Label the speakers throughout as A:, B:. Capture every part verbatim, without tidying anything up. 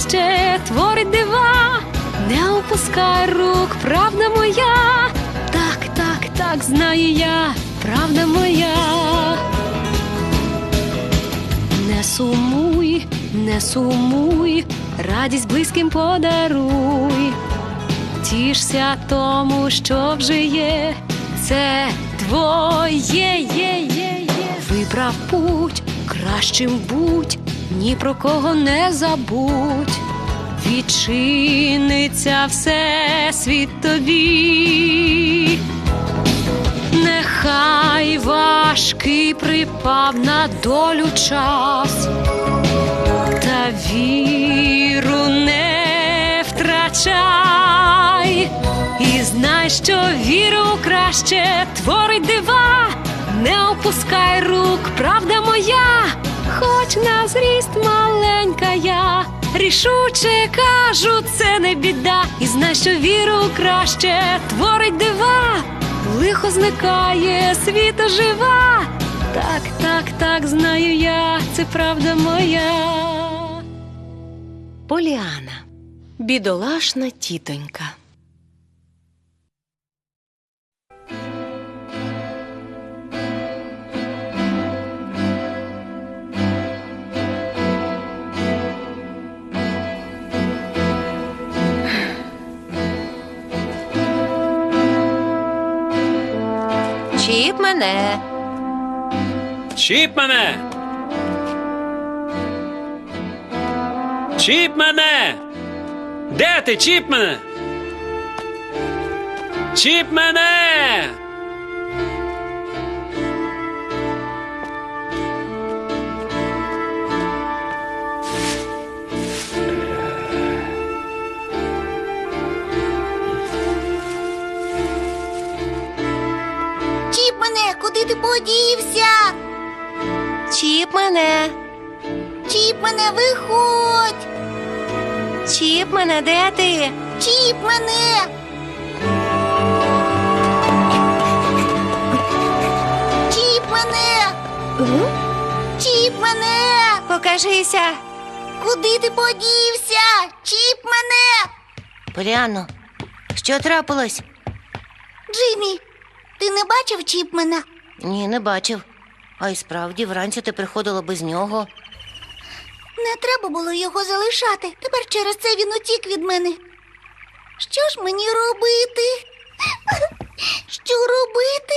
A: краще творить дива. Не опускай рук, правда моя. Так, так, так, знаю я, правда моя. Не сумуй, не сумуй, радість близьким подаруй. Тішся тому, що вже є, це твоє, є, є, є. Вибрав путь, кращим будь, ні про кого не забудь. Відчиниться всесвіт тобі. Нехай важкий припав на долю час, та віру не втрачай. І знай, що віру краще творить дива. Не опускай рук, правда моя, хоч на зріст маленька я. Рішуче кажу, це не біда. І знай, що віру краще творить дива. Лихо зникає, світ ожива. Так, так, так, знаю я, це правда моя.
B: Поліана. Бідолашна тітонька.
C: Чіп мене.
D: Чіп мене! Чіп мене! Де ти, чіп мене? Чіп мене!
E: Чіп мене, куди ти подівся?
C: Чіп мене.
E: Чіп мене, виходь!
C: Чіп мене, де ти?
E: Чіп мене! Чіп мене! Чіп мене!
C: Покажися.
E: Куди ти подівся? Чіп мене!
C: Поліано, що трапилось?
E: Джиммі, ти не бачив Чіпмена?
C: Ні, не бачив. А й справді, вранці ти приходила без нього.
E: Не треба було його залишати. Тепер через це він утік від мене. Що ж мені робити? Що робити?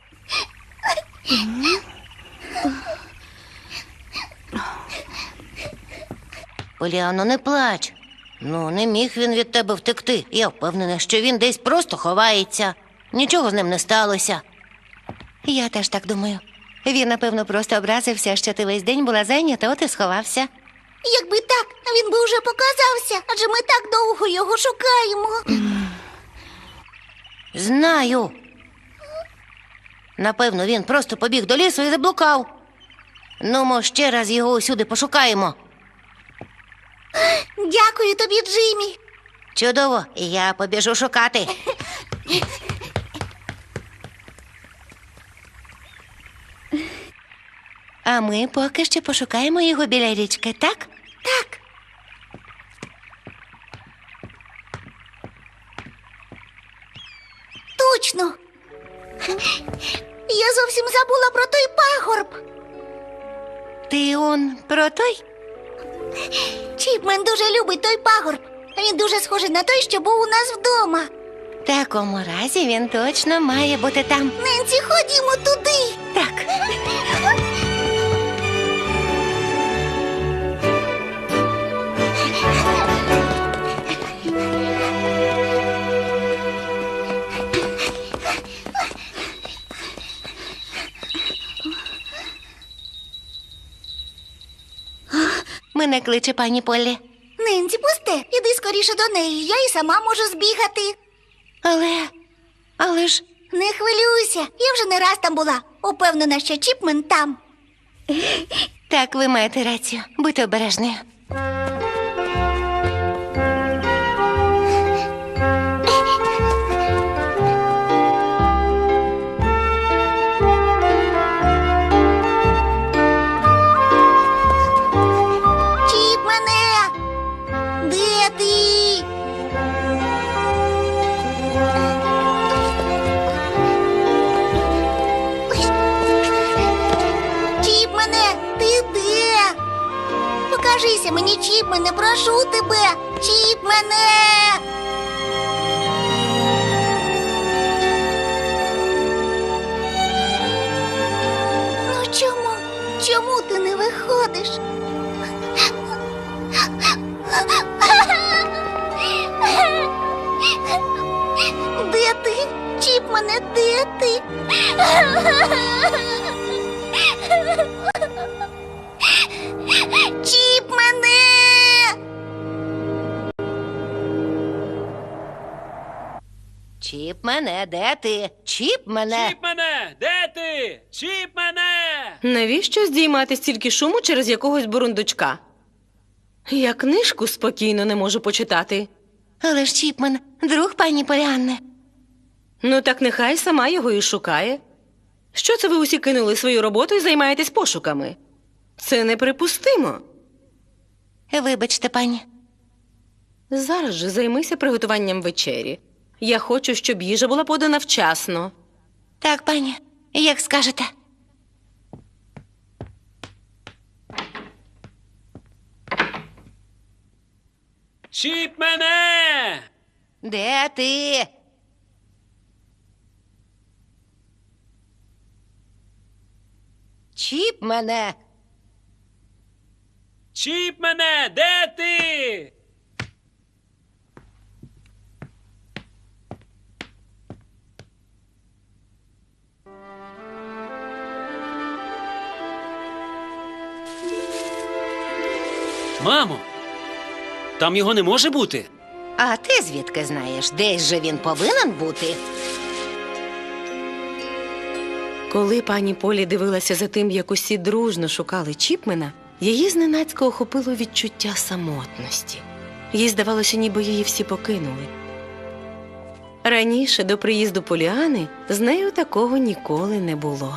C: Поліано, не плач. Ну, не міг він від тебе втекти. Я впевнена, що він десь просто ховається. Нічого з ним не сталося. Я теж так думаю. Він, напевно, просто образився, що ти весь день була зайнята, от і сховався.
E: Якби так, він би вже показався, адже ми так довго його шукаємо.
C: Знаю. Напевно, він просто побіг до лісу і заблукав. Ну, ми ще раз його усюди пошукаємо.
E: Дякую тобі, Джиммі.
C: Чудово, я побіжу шукати. А ми поки що пошукаємо його біля річки, так?
E: Так. Точно. Я зовсім забула про той пагорб.
C: Ти он про той?
E: Чіпмен дуже любить той пагорб. Він дуже схожий на той, що був у нас вдома.
C: В такому разі він точно має бути там.
E: Ненсі, ходімо туди.
C: Так. Мене кличе пані Поллі.
E: Ненсі, пусте, іди скоріше до неї, я і сама можу збігати.
C: Але, але ж...
E: Не хвилюйся, я вже не раз там була. Упевнена, що Чіпмен там.
C: Так, ви маєте рацію. Будьте обережною.
E: покажися мені, Чіпмене, прошу тебе! Чіпмене! Ну чому? Чому ти не виходиш? Де ти? Чіпмене, де ти? Чіпмене!
C: Чіп мене, де ти? Чіп мене.
D: Чіп мене! Де ти? Чіп мене!
B: Навіщо здіймати стільки шуму через якогось бурундучка? Я книжку спокійно не можу почитати.
C: Але ж Чіпмен, друг пані Поліанни.
B: Ну так нехай сама його і шукає. Що це ви усі кинули свою роботу і займаєтесь пошуками? Це неприпустимо.
C: Вибачте, пані.
B: Зараз же займися приготуванням вечері. Я хочу, щоб їжа була подана вчасно.
C: Так, пані, як скажете.
D: Чіп мене!
C: Де ти? Чіп мене.
D: Чіп мене! Де ти? Мамо, там його не може бути.
C: А ти звідки знаєш, десь же він повинен бути?
B: Коли пані Полі дивилася за тим, як усі дружно шукали Чіпмена, її зненацька охопило відчуття самотності. Їй здавалося, ніби її всі покинули. Раніше, до приїзду Поліани, з нею такого ніколи не було.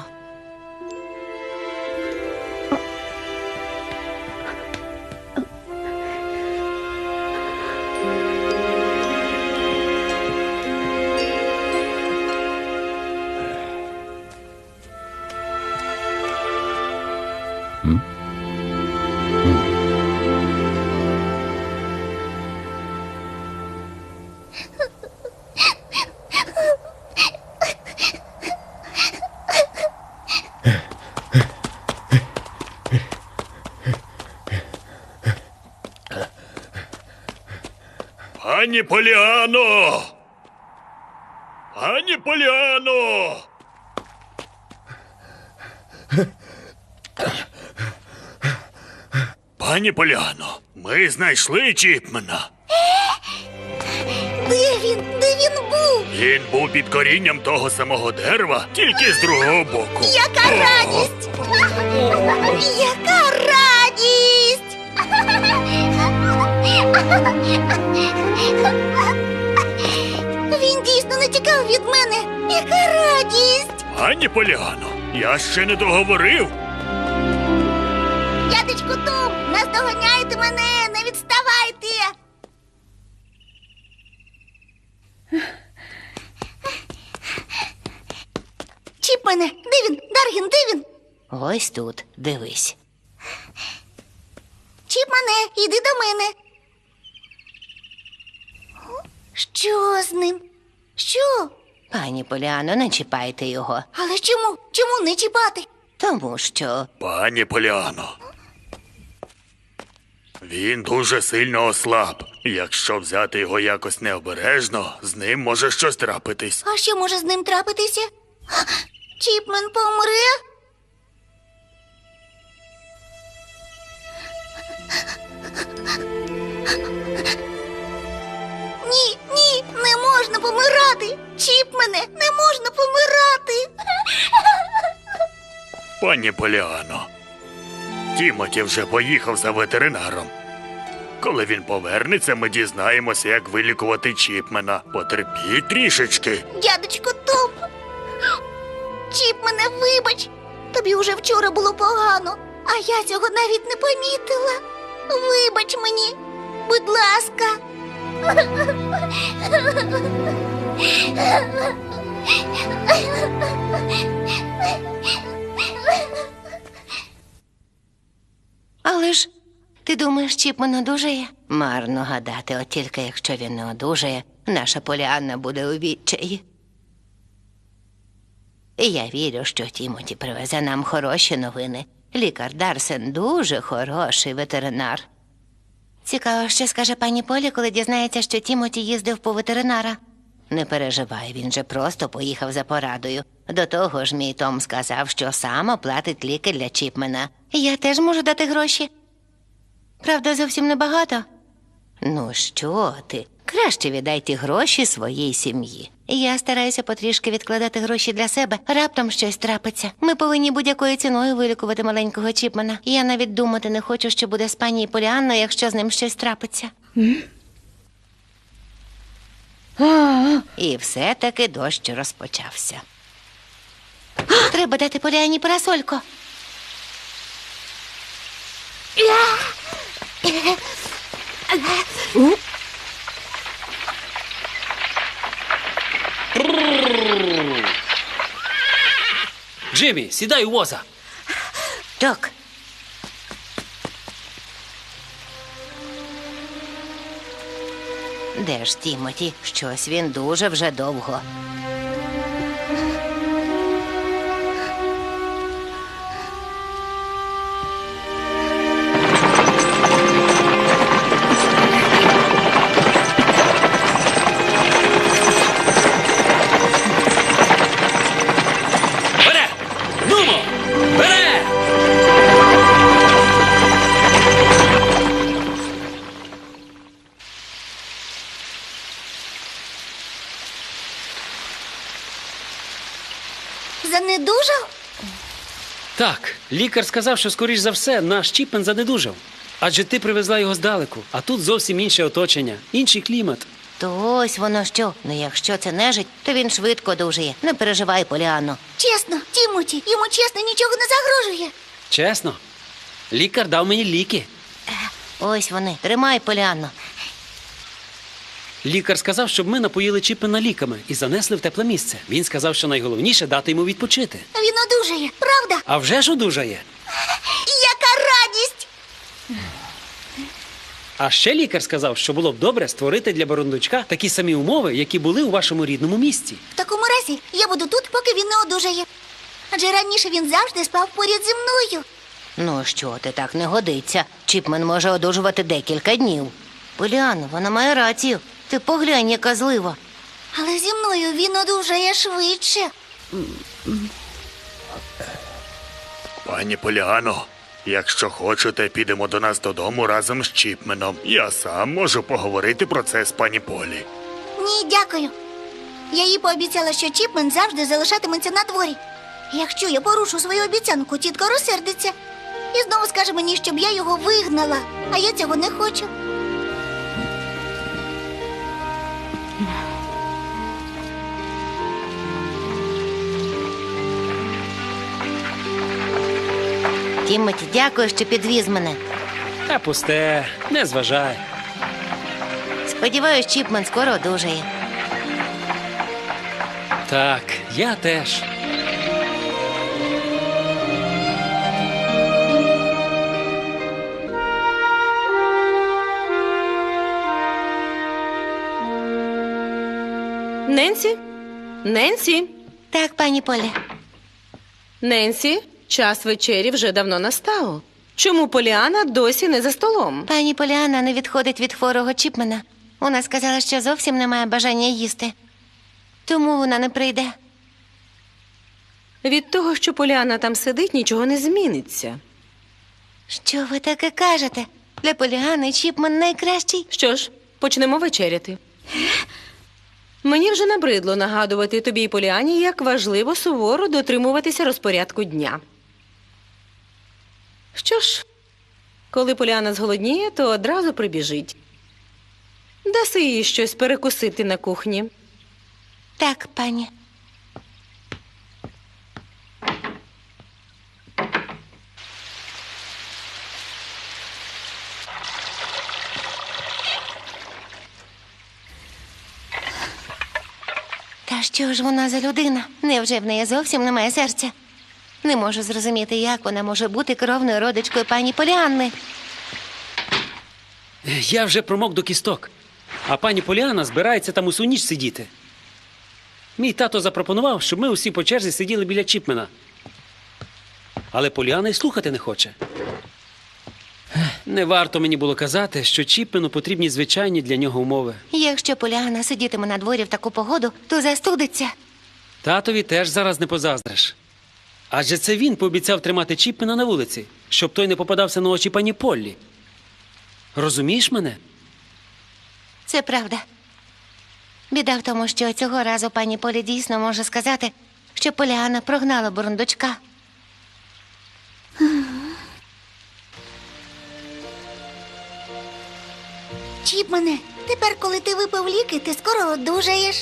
F: Пані Поліано! Пані Поліано! Пані Поліано, ми знайшли Чіпмена.
E: Де він? Де він був?
F: Він був під корінням того самого дерева, тільки з другого боку.
E: Яка радість! Яка радість! Він дійсно не тікав від мене. Яка радість!
F: Пані Поліано, я ще не договорив.
E: Дядечку Том, наздоганяйте мене, не відставайте! Чіпмене, де він? Даргін, де він?
C: Ось тут, дивись.
E: Чіпмене, іди до мене. Що з ним? Що?
C: Пані Поліано, не чіпайте його.
E: Але чому? Чому не чіпати?
C: Тому що
F: Пані Поліано. Він дуже сильно ослаб. Якщо взяти його якось необережно, з ним може щось трапитись.
E: А що може з ним трапитися? Чіпмен помре? Ні, ні, не можна помирати. Чіпмене, не можна помирати.
F: Пані Поліано, Тімоті вже поїхав за ветеринаром. Коли він повернеться, ми дізнаємося, як вилікувати Чіпмена. Потерпіть трішечки.
E: Дядечко Том. Чіпмене, вибач. Тобі уже вчора було погано, а я цього навіть не помітила. Вибач мені, будь ласка.
C: Але ж Ти думаєш, Чіпмен одужає? Марно гадати, от тільки якщо він не одужає, наша Поліанна буде у відчаї. І я вірю, що Тімоті привезе нам хороші новини. Лікар Дарсен дуже хороший ветеринар. Цікаво, що скаже пані Полі, коли дізнається, що Тімоті їздив по ветеринара. Не переживай, він же просто поїхав за порадою. До того ж, мій Том сказав, що сам оплатить ліки для Чіпмена. Я теж можу дати гроші. Правда, зовсім небагато. Ну що ти? Краще віддай ті гроші своїй сім'ї. Я стараюся потрішки відкладати гроші для себе. Раптом щось трапиться. Ми повинні будь-якою ціною вилікувати маленького Чіпмена. Я навіть думати не хочу, що буде з пані Поліанною, якщо з ним щось трапиться. І все-таки дощ розпочався. Треба дати Поліанні парасольку.
D: Джиммі, сідай у воза.
C: Так. Де ж Тімоті? Щось він дуже вже довго.
D: Бере! Нумо! Бере!
E: Занедужав?
D: Так, лікар сказав, що, скоріш за все, наш Чіпмен занедужав. Адже ти привезла його здалеку, а тут зовсім інше оточення, інший клімат.
C: То ось воно що. Ну якщо це нежить, то він швидко одужає. Не переживай, Поліанно.
E: Чесно, Тімоті, йому чесно нічого не загрожує.
D: Чесно, лікар дав мені ліки.
C: Ось вони. Тримай, Поліанно.
D: Лікар сказав, щоб ми напоїли Чіпмена ліками і занесли в тепле місце. Він сказав, що найголовніше дати йому відпочити.
E: Він одужає, правда?
D: А вже ж одужає.
E: Яка радість!
D: А ще лікар сказав, що було б добре створити для Бурундучка такі самі умови, які були у вашому рідному місті.
E: В такому разі я буду тут, поки він не одужає. Адже раніше він завжди спав поряд зі мною.
C: Ну що ти, так не годиться. Чіпмен може одужувати декілька днів. Поліанно, вона має рацію. Ти поглянь, яка злива.
E: Але зі мною він одужає швидше.
F: Пані Поліано, якщо хочете, підемо до нас додому разом з Чіпменом. Я сам можу поговорити про це з пані Полі.
E: Ні, дякую. Я їй пообіцяла, що Чіпмен завжди залишатиметься на дворі. Якщо я порушу свою обіцянку, тітка розсердиться. І знову скаже мені, щоб я його вигнала. А я цього не хочу.
C: Тімоті, дякую, що підвіз мене.
D: Та пусте, не зважай.
C: Сподіваюсь, Чіпмен скоро одужає.
D: Так, я теж.
B: Ненсі? Ненсі?
C: Так, пані Полі.
B: Ненсі, час вечері вже давно настав. Чому Поліана досі не за столом?
C: Пані Поліанна не відходить від хворого Чіпмена. Вона сказала, що зовсім не має бажання їсти. Тому вона не прийде.
B: Від того, що Поліана там сидить, нічого не зміниться.
C: Що ви таке кажете? Для Поліани Чіпмен найкращий.
B: Що ж, почнемо вечеряти. Мені вже набридло нагадувати тобі і Поліані, як важливо суворо дотримуватися розпорядку дня. Що ж, коли Поліана зголодніє, то одразу прибіжить. Даси їй щось перекусити на кухні.
C: Так, пані. Та що ж вона за людина? Невже в неї зовсім немає серця? Не можу зрозуміти, як вона може бути кровною родичкою пані Поліанни.
D: Я вже промок до кісток, а пані Поліана збирається там усю ніч сидіти. Мій тато запропонував, щоб ми усі по черзі сиділи біля Чіпмена. Але Поліана й слухати не хоче. Не варто мені було казати, що Чіпмену потрібні звичайні для нього умови.
C: Якщо Поліана сидітиме на дворі в таку погоду, то застудиться.
D: Татові теж зараз не позаздриш. Адже це він пообіцяв тримати Чіпмена на вулиці, щоб той не попадався на очі пані Поллі. Розумієш мене?
C: Це правда. Біда в тому, що цього разу пані Полі дійсно може сказати, що Поліана прогнала бурундучка.
E: Чіпмене, тепер, коли ти випив ліки, ти скоро одужаєш.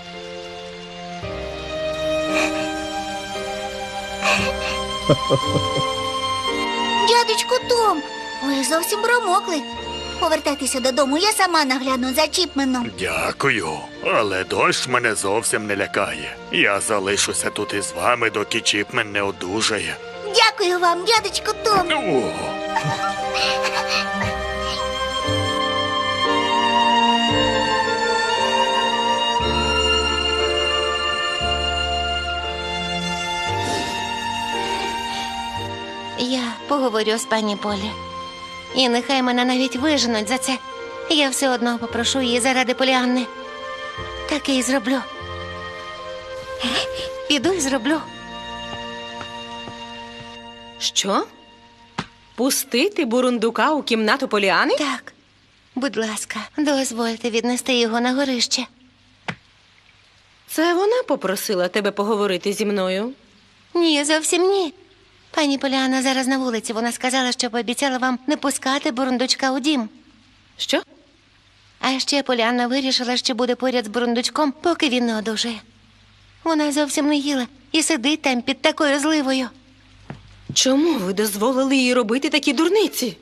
E: Дядечку Том, ви зовсім промокли. Повертайтеся додому, я сама нагляну за Чіпменом.
F: Дякую, але дощ мене зовсім не лякає. Я залишуся тут із вами, доки Чіпмен не одужає.
E: Дякую вам, дядечку Том.
F: О,
C: Я поговорю з пані Полі. І нехай мене навіть виженуть за це. Я все одно попрошу її заради Поліанни. Так і зроблю. Піду і зроблю.
B: Що? Пустити бурундука у кімнату Поліани?
C: Так, будь ласка, дозвольте віднести його на горище.
B: Це вона попросила тебе поговорити зі мною.
C: Ні, зовсім ні. Пані Поліана зараз на вулиці. Вона сказала, що пообіцяла вам не пускати бурундучка у дім.
B: Що?
C: А ще Поліанна вирішила, що буде поряд з бурундучком, поки він не одужає. Вона зовсім не їла і сидить там під такою зливою.
B: Чому ви дозволили їй робити такі дурниці?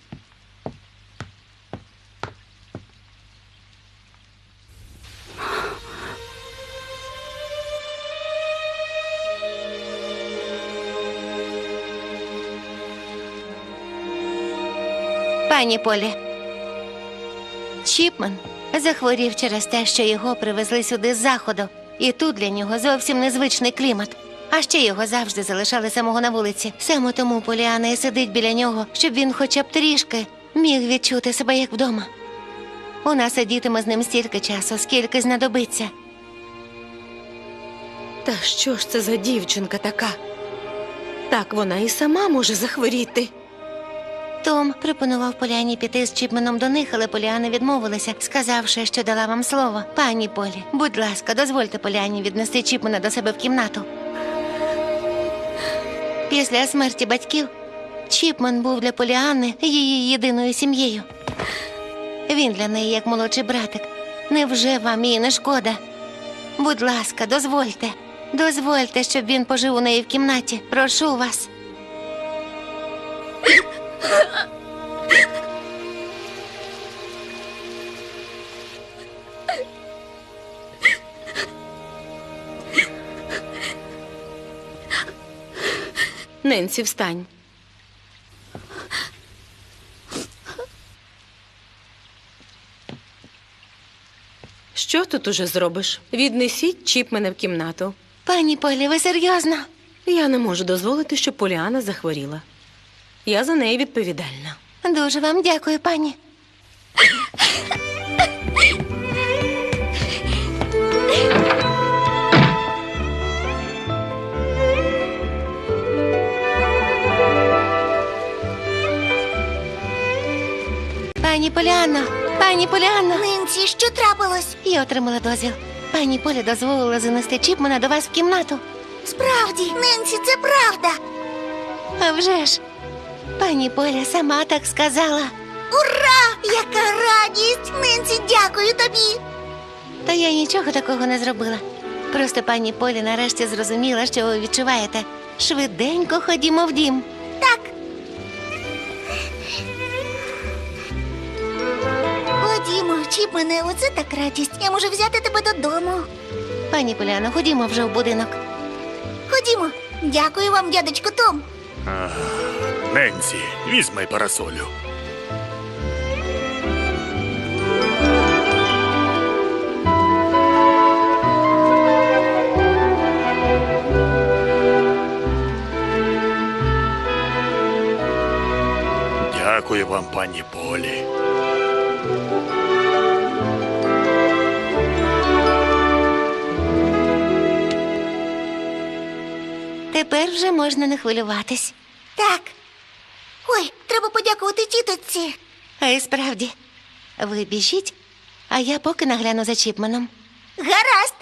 C: Пані Полі, Чіпмен захворів через те, що його привезли сюди з заходу. І тут для нього зовсім незвичний клімат. А ще його завжди залишали самого на вулиці. Саме тому Поліана і сидить біля нього, щоб він хоча б трішки міг відчути себе як вдома. Вона сидітиме з ним стільки часу, скільки знадобиться.
B: Та що ж це за дівчинка така? Так вона і сама може захворіти.
C: Том пропонував Поліані піти з Чіпменом до них, але Поліана відмовилася, сказавши, що дала вам слово. Пані Полі, будь ласка, дозвольте Поліані віднести Чіпмена до себе в кімнату. Після смерті батьків Чіпмен був для Поліани її єдиною сім'єю. Він для неї як молодший братик. Невже вам її не шкода? Будь ласка, дозвольте. Дозвольте, щоб він пожив у неї в кімнаті. Прошу вас.
B: Ненсі, встань. Що тут уже зробиш? Віднесіть Чіпмена в кімнату.
C: Пані Полі, ви серйозно?
B: Я не можу дозволити, щоб Поліана захворіла. Я за неї відповідальна.
C: Дуже вам дякую, пані. Пані Поліанно, пані Поліанно.
E: Нинці, що трапилось?
C: Я отримала дозвіл. Пані Поля дозволила занести Чіпмена до вас в кімнату.
E: Справді, Нинці, це правда.
C: А вже ж, пані Поля сама так сказала.
E: Ура! Яка радість! Нинці, дякую тобі.
C: Та я нічого такого не зробила. Просто пані Полі нарешті зрозуміла, що ви відчуваєте. Швиденько ходімо в дім.
E: Так. Ходімо, Чіпмене, оце так радість. Я можу взяти тебе додому.
C: Пані Поляно, ходімо вже в будинок.
E: Ходімо. Дякую вам, дядечко Том.
F: Ненсі, візьми парасолю. Дякую вам, пані Полі.
C: Тепер вже можна не хвилюватись.
E: Так. Ой, треба подякувати тіточці.
C: А і справді, ви біжіть, а я поки нагляну за Чіпменом.
E: Гаразд.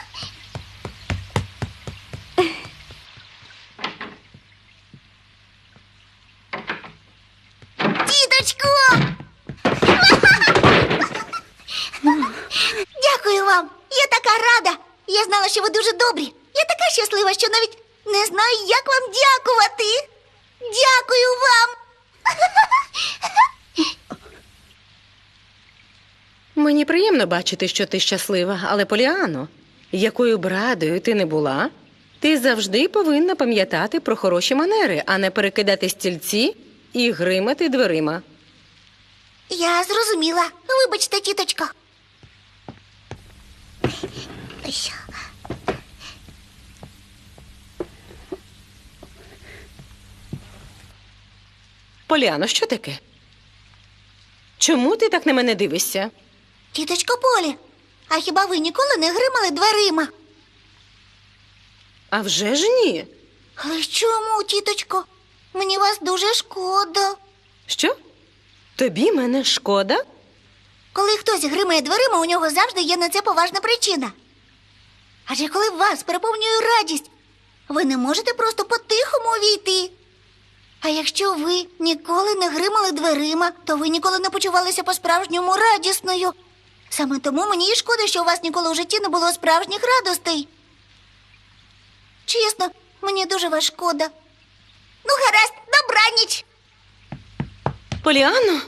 E: Тіточко! Дякую вам. Я така рада. Я знала, що ви дуже добрі. Я така щаслива, що навіть не знаю, як вам дякувати. Дякую вам.
B: Мені приємно бачити, що ти щаслива, але, Поліано, якою б радою ти не була, ти завжди повинна пам'ятати про хороші манери, а не перекидати стільці і гримати дверима.
E: Я зрозуміла. Вибачте, тіточко.
B: Поліано, що таке? Чому ти так на мене дивишся?
E: Тіточко Полі, а хіба ви ніколи не гримали дверима?
B: А вже ж ні.
E: Але чому, тіточко? Мені вас дуже шкода.
B: Що? Тобі мене шкода?
E: Коли хтось гримає дверима, у нього завжди є на це поважна причина. Адже коли вас переповнює радість, ви не можете просто по-тихому увійти. А якщо ви ніколи не гримали дверима, то ви ніколи не почувалися по-справжньому радісною. Саме тому мені і шкода, що у вас ніколи в житті не було справжніх радостей. Чесно, мені дуже вас шкода. Ну, гаразд, добраніч!
B: Поліано?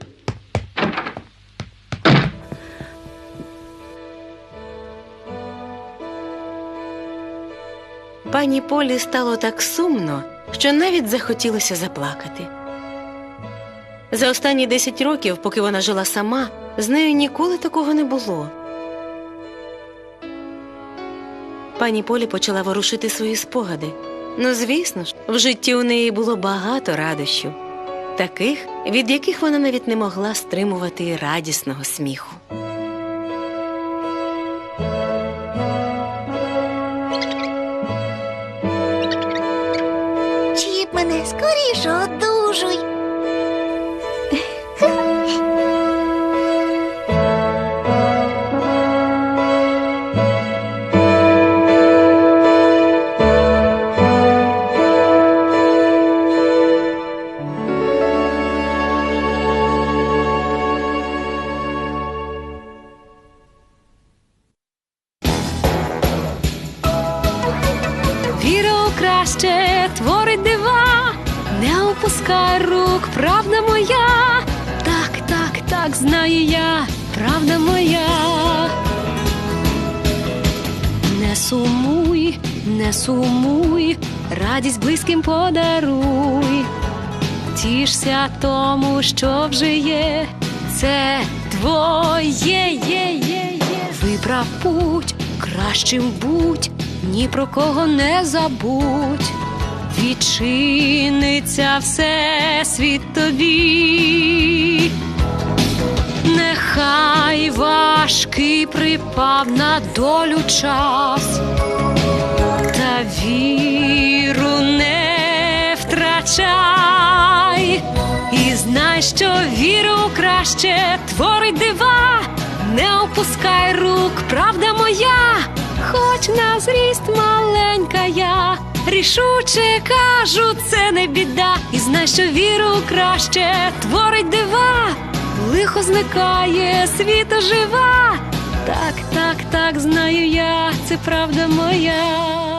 B: Пані Полі стало так сумно, що навіть захотілося заплакати. За останні десять років, поки вона жила сама, з нею ніколи такого не було. Пані Полі почала ворушити свої спогади. Ну, звісно ж, в житті у неї було багато радощів, таких, від яких вона навіть не могла стримувати радісного сміху.
E: Чіпмене, скоріше одужуй.
A: Віра у краще творить дива, не опускай рук, правда моя. Так, так, так, знаю я, правда моя. Не сумуй, не сумуй, радість близьким подаруй. Тішся тому, що вже є, це твоє, є, є, є. Вибрав путь, кращим будь, ні про кого не забудь. Відчиниться всесвіт тобі. Нехай важкий припав на долю час, та віру не втрачай. І знай, що віру краще творить дива. Не опускай рук, правда моя, хоч на зріст маленька я. Рішуче кажу, це не біда. І знай, що віру краще творить дива. Лихо зникає, світ ожива. Так, так, так, знаю я, це правда моя.